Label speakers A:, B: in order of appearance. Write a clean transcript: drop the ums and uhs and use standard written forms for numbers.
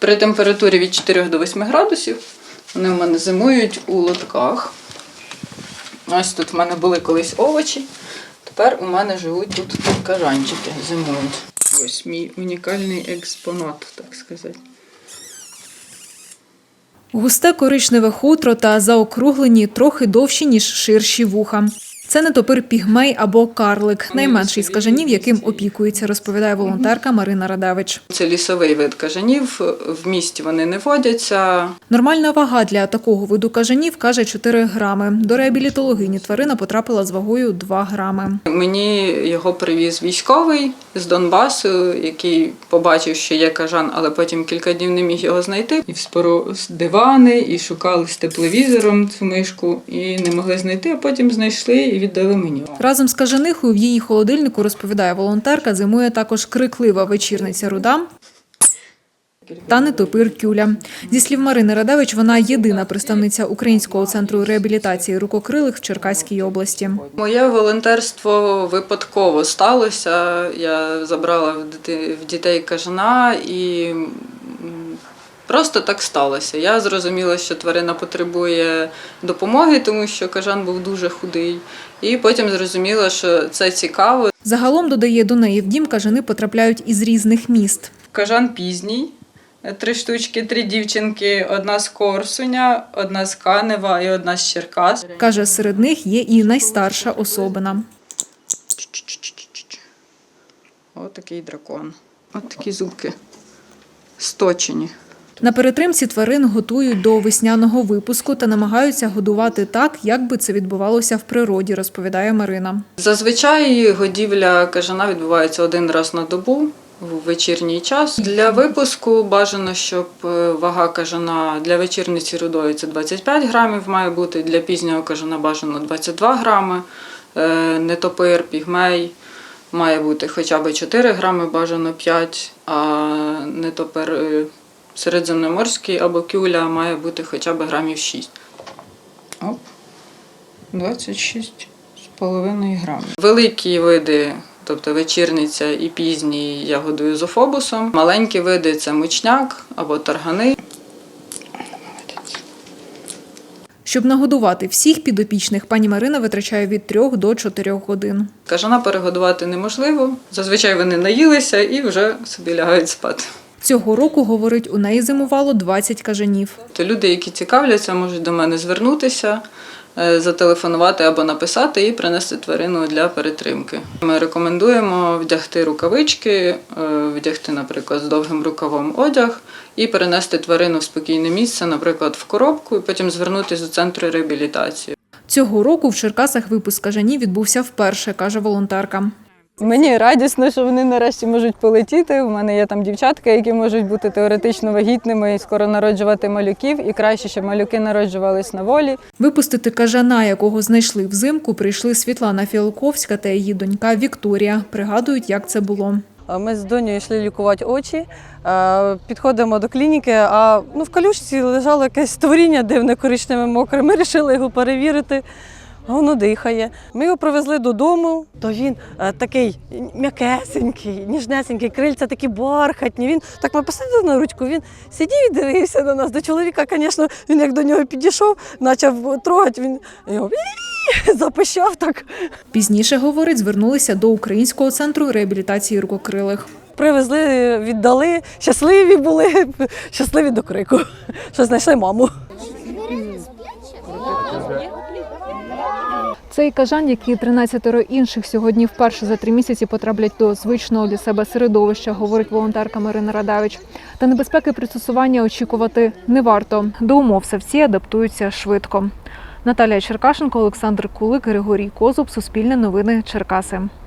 A: При температурі від 4 до 8 градусів вони в мене зимують у лотках. Ось тут в мене були колись овочі, тепер у мене живуть тут кажанчики, зимують. Ось мій унікальний експонат, так сказати.
B: Густе коричневе хутро та заокруглені трохи довші, ніж ширші вуха. Це нетопир пігмей або карлик, найменший з кажанів, яким опікується, розповідає волонтерка Марина Радевич.
A: Це лісовий вид кажанів, в місті вони не водяться.
B: Нормальна вага для такого виду кажанів, каже, 4 грами. До реабілітологині тварина потрапила з вагою 2 грами.
A: Мені його привіз військовий з Донбасу, який побачив, що є кажан, але потім кілька днів не міг його знайти. І вспоров дивани, і шукали з тепловізором цю мишку, і не могли знайти, а потім знайшли і віддали мені.
B: Разом з кажанихою в її холодильнику, розповідає волонтерка, зимує також криклива вечірниця руда та нетопир кюля. Зі слів Марини Радевич, вона єдина представниця Українського центру реабілітації рукокрилих в Черкаській області.
A: Моє волонтерство випадково сталося. Я забрала в дітей кажана і просто так сталося. Я зрозуміла, що тварина потребує допомоги, тому що кажан був дуже худий. І потім зрозуміла, що це цікаво.
B: Загалом, додає, до неї в дім кажани потрапляють із різних міст.
A: Кажан пізній. 3 штучки, 3 дівчинки, 1 з Корсуня, 1 з Канева і 1 з Черкас.
B: Каже, серед них є і найстарша особина.
A: Ось такий дракон. Ось такі зубки сточені.
B: На перетримці тварин готують до весняного випуску та намагаються годувати так, як би це відбувалося в природі, розповідає Марина.
A: Зазвичай годівля кажана відбувається 1 раз на добу в вечірній час. Для випуску бажано, щоб вага кажана для вечірниці рудої – це 25 грамів має бути, для пізнього кажана бажано 22 грами, нетопир, пігмей має бути хоча б 4 грами, бажано 5, а нетопир середземноморський або кюля має бути хоча б грамів 6. Оп, 26,5 грамів. Великі види, тобто вечірниця і пізній, я годую зоофобусом. Маленькі види – це мучняк або таргани.
B: Щоб нагодувати всіх підопічних, пані Марина витрачає від 3 до 4 годин.
A: Кажана перегодувати неможливо. Зазвичай вони наїлися і вже собі лягають спати.
B: Цього року, говорить, у неї зимувало 20 кажанів.
A: То люди, які цікавляться, можуть до мене звернутися, зателефонувати або написати і принести тварину для перетримки. Ми рекомендуємо вдягти рукавички, вдягти, наприклад, з довгим рукавом одяг і перенести тварину в спокійне місце, наприклад, в коробку, і потім звернутися до центру реабілітації.
B: Цього року в Черкасах випуск кажанів відбувся вперше, каже волонтерка.
C: Мені радісно, що вони нарешті можуть полетіти. У мене є там дівчатка, які можуть бути теоретично вагітними і скоро народжувати малюків. І краще, щоб малюки народжувались на волі.
B: Випустити кажана, якого знайшли взимку, прийшли Світлана Фіалковська та її донька Вікторія. Пригадують, як це було.
C: Ми з донею йшли лікувати очі, підходимо до клініки, а в калюшці лежало якесь створіння дивне, коричневе, мокре. Ми вирішили його перевірити. Воно дихає. Ми його привезли додому, то він такий м'якесенький, ніжнесенький, крильця такі бархатні. Він так ми посадили на ручку, він сидів і дивився на нас. До чоловіка, звісно, він як до нього підійшов, почав трогати, він його запищав так.
B: Пізніше, говорить, звернулися до Українського центру реабілітації рукокрилих.
C: Привезли, віддали, щасливі були, щасливі до крику, що знайшли маму.
B: Цей кажан, як і 13 інших, сьогодні вперше за 3 місяці потраплять до звичного для себе середовища, говорить волонтерка Марина Радевич. Та небезпеки пристосування очікувати не варто. До умов савці адаптуються швидко. Наталія Черкашенко, Олександр Кулик, Григорій Козуб, Суспільне новини, Черкаси.